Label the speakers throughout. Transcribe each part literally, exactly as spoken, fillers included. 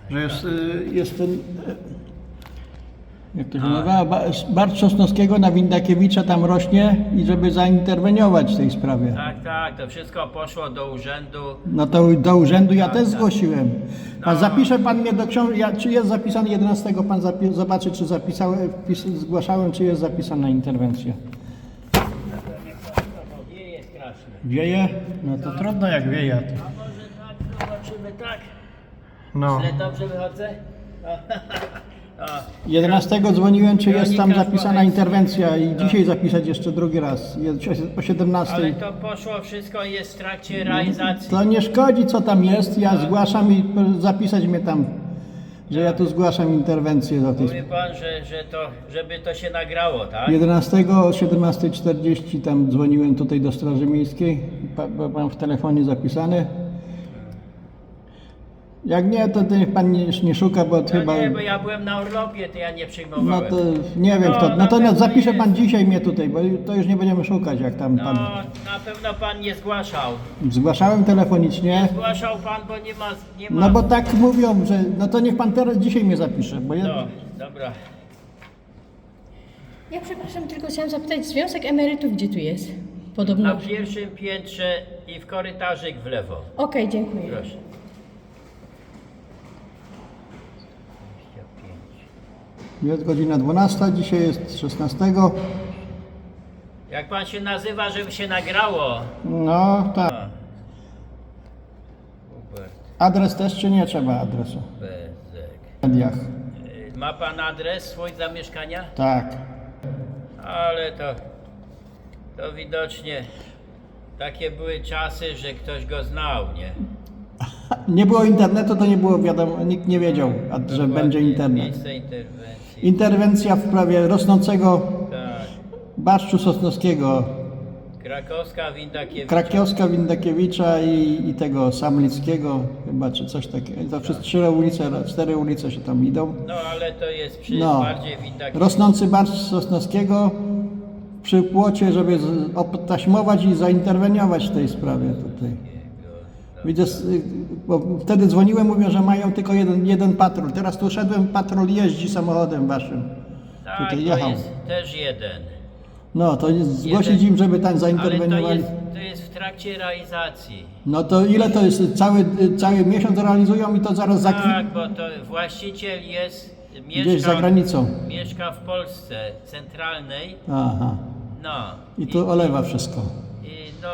Speaker 1: że jest, y, jest ten, y, jak to się nazywa, Ba- Bartz Sosnowskiego na Windakiewicza tam rośnie i żeby zainterweniować w tej sprawie.
Speaker 2: Tak, tak, to wszystko poszło do urzędu.
Speaker 1: No to do urzędu ja
Speaker 2: Tak,
Speaker 1: też
Speaker 2: tak.
Speaker 1: zgłosiłem. Pan
Speaker 2: No.
Speaker 1: zapisze pan mnie do książki, ja, czy jest zapisany jedenastego, pan zapi- zobaczy czy zapisałem, wpis, zgłaszałem, czy jest zapisana interwencja.
Speaker 2: Wieje strasznie.
Speaker 1: Wieje? No to trudno jak wieje.
Speaker 2: A może tak, zobaczymy tak.
Speaker 1: No.
Speaker 2: Źle dobrze wychodzę? O,
Speaker 1: jedenastego dzwoniłem, czy jest tam
Speaker 2: Kronika
Speaker 1: zapisana
Speaker 2: powiedz.
Speaker 1: interwencja i dzisiaj zapisać jeszcze drugi raz, je- o
Speaker 2: ale
Speaker 1: siedemnastej.
Speaker 2: to poszło wszystko, jest w trakcie realizacji.
Speaker 1: To nie szkodzi co tam jest, ja zgłaszam i p- zapisać mnie tam, że ja tu zgłaszam interwencję do tej
Speaker 2: Mówi pan, że, że to, żeby to się nagrało, tak?
Speaker 1: jedenastego o siedemnasta czterdzieści tam dzwoniłem tutaj do Straży Miejskiej, pa- bo mam w telefonie zapisany. Jak nie, to niech pan nie, nie szuka, bo
Speaker 2: No
Speaker 1: chyba...
Speaker 2: nie, bo ja byłem na urlopie, to ja nie
Speaker 1: No
Speaker 2: przyjmowałem.
Speaker 1: to nie wiem
Speaker 2: No,
Speaker 1: kto.
Speaker 2: na
Speaker 1: Natomiast
Speaker 2: pewno
Speaker 1: zapisze pan
Speaker 2: jest.
Speaker 1: dzisiaj mnie tutaj, bo to już nie będziemy szukać jak tam
Speaker 2: No,
Speaker 1: pan...
Speaker 2: na pewno pan nie zgłaszał.
Speaker 1: Zgłaszałem telefonicznie.
Speaker 2: Zgłaszał pan, bo nie ma... Nie ma...
Speaker 1: No bo tak mówią, że no to niech pan teraz dzisiaj mnie zapisze, bo ja...
Speaker 2: No, dobra.
Speaker 3: Ja przepraszam, tylko chciałam zapytać, Związek Emerytów gdzie tu jest? Podobno.
Speaker 2: Na
Speaker 3: Okej,
Speaker 2: pierwszym piętrze i w korytarzyk w lewo.
Speaker 3: dziękuję.
Speaker 2: Proszę.
Speaker 1: Jest godzina dwunasta, dzisiaj jest szesnastego.
Speaker 2: Jak pan się nazywa, żeby się nagrało?
Speaker 1: No tak.
Speaker 2: A. Hubert
Speaker 1: Adres też czy nie trzeba adresu?
Speaker 2: Bezek.
Speaker 1: W mediach.
Speaker 2: Y, Ma pan adres swój zamieszkania?
Speaker 1: Tak.
Speaker 2: Ale to, to widocznie takie były czasy, że ktoś go znał, nie?
Speaker 1: Nie było internetu, to nie było wiadomo, nikt nie wiedział, a, że
Speaker 2: Dokładnie,
Speaker 1: będzie internet.
Speaker 2: Miejsce interwencji.
Speaker 1: Interwencja w sprawie rosnącego
Speaker 2: Tak.
Speaker 1: Barszczu Sosnowskiego,
Speaker 2: Krakowska, Windakiewicz.
Speaker 1: Krakiowska, Windakiewicza i, i tego Samlickiego chyba, czy coś takiego. To przez trzy ulice, cztery ulice się tam idą.
Speaker 2: No ale to jest przy
Speaker 1: No.
Speaker 2: bardziej Windakiewicz.
Speaker 1: Rosnący Barszcz Sosnowskiego przy płocie, żeby z- obtaśmować i zainterweniować w tej sprawie tutaj. Widzę, s- bo wtedy dzwoniłem, mówią, że mają tylko jeden, jeden patrol. Teraz tu szedłem, patrol jeździ samochodem waszym.
Speaker 2: Tak,
Speaker 1: tutaj
Speaker 2: to
Speaker 1: jechał.
Speaker 2: jest też jeden.
Speaker 1: No to jest, zgłosić
Speaker 2: Jeden.
Speaker 1: im, żeby tam
Speaker 2: Ale to
Speaker 1: zainterweniowali.
Speaker 2: jest, to jest w trakcie realizacji.
Speaker 1: No to ile to jest? Cały, cały miesiąc realizują i to zaraz za
Speaker 2: Tak, bo to właściciel jest,
Speaker 1: gdzieś
Speaker 2: mieszka,
Speaker 1: za granicą.
Speaker 2: mieszka w Polsce centralnej.
Speaker 1: Aha.
Speaker 2: No.
Speaker 1: I tu olewa wszystko.
Speaker 2: I no,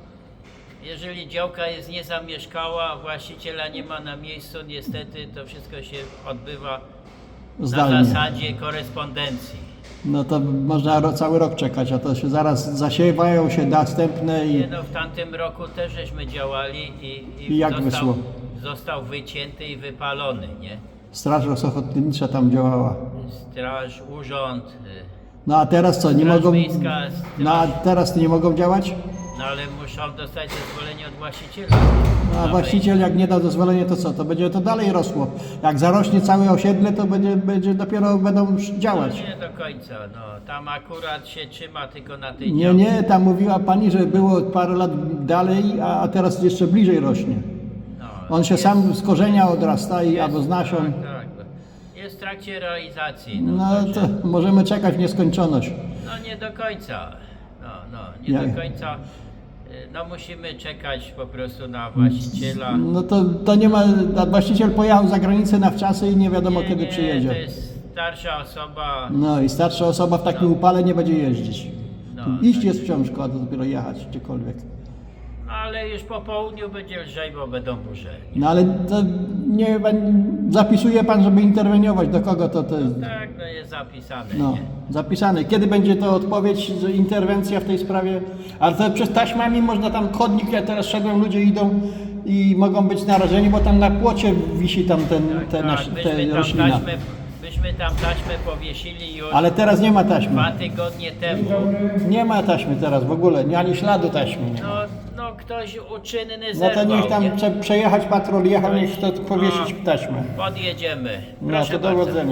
Speaker 2: jeżeli działka jest niezamieszkała, a właściciela nie ma na miejscu, niestety to wszystko się odbywa na
Speaker 1: Zdalnie.
Speaker 2: zasadzie korespondencji.
Speaker 1: No to można ro, cały rok czekać, a to się zaraz zasiewają się następne
Speaker 2: Nie,
Speaker 1: i
Speaker 2: no, w tamtym roku też żeśmy działali i,
Speaker 1: I jak
Speaker 2: został,
Speaker 1: wyszło?
Speaker 2: został wycięty i wypalony, nie?
Speaker 1: Straż Ochotnicza tam działała.
Speaker 2: Straż, urząd, y,
Speaker 1: No a teraz co, nie
Speaker 2: Straż
Speaker 1: mogą...
Speaker 2: Miejska, straż,
Speaker 1: No a teraz nie mogą działać?
Speaker 2: no ale muszą dostać zezwolenie od właściciela.
Speaker 1: No a
Speaker 2: Na
Speaker 1: właściciel jak nie da zezwolenia, to co? To będzie to dalej rosło. Jak zarośnie całe osiedle, to będzie, będzie dopiero będą już
Speaker 2: No
Speaker 1: działać.
Speaker 2: nie do końca, no. Tam akurat się trzyma tylko na tej
Speaker 1: Nie,
Speaker 2: działce.
Speaker 1: nie, tam mówiła pani, że było parę lat dalej, a a teraz jeszcze bliżej rośnie.
Speaker 2: No,
Speaker 1: On się
Speaker 2: jest-
Speaker 1: sam z korzenia odrasta i
Speaker 2: jest-
Speaker 1: albo z nasion.
Speaker 2: Tak, tak. Jest w trakcie realizacji. No,
Speaker 1: No
Speaker 2: także-
Speaker 1: to możemy czekać w nieskończoność.
Speaker 2: no nie do końca. No, no, nie
Speaker 1: Ja-
Speaker 2: do końca. Y, No musimy czekać po prostu na właściciela.
Speaker 1: No to, to nie ma, a właściciel pojechał za granicę na wczasy i nie wiadomo
Speaker 2: Nie,
Speaker 1: kiedy
Speaker 2: nie,
Speaker 1: przyjedzie.
Speaker 2: To jest starsza osoba.
Speaker 1: No i starsza osoba w takim upale nie będzie jeździć.
Speaker 2: No,
Speaker 1: Tu iść
Speaker 2: tak.
Speaker 1: jest wciąż, a to dopiero jechać gdziekolwiek.
Speaker 2: No, ale już po południu będzie lżej, bo będą burze.
Speaker 1: No ale to nie zapisuje pan, żeby interweniować. Do kogo to, to jest?
Speaker 2: Tak, no jest zapisane.
Speaker 1: No,
Speaker 2: Nie?
Speaker 1: zapisane. Kiedy będzie to odpowiedź, że interwencja w tej sprawie? Ale to przez taśmami można tam chodnik, ja teraz szedłem, ludzie idą i mogą być narażeni, bo tam na płocie wisi tam ten, te,
Speaker 2: Tak,
Speaker 1: nasz,
Speaker 2: byśmy
Speaker 1: te
Speaker 2: tam
Speaker 1: roślina.
Speaker 2: taśmę, byśmy tam taśmę powiesili już
Speaker 1: Ale teraz nie ma taśmy.
Speaker 2: dwa tygodnie temu.
Speaker 1: Nie ma taśmy teraz w ogóle, nie- ani śladu taśmy nie ma.
Speaker 2: No, no ktoś uczynny
Speaker 1: No
Speaker 2: zerwał,
Speaker 1: to niech tam
Speaker 2: nie?
Speaker 1: prze, przejechać patrol, jechał, niech to powiesić taśmę.
Speaker 2: Podjedziemy.
Speaker 1: No
Speaker 2: Proszę
Speaker 1: to
Speaker 2: bardzo.
Speaker 1: dowodzenia.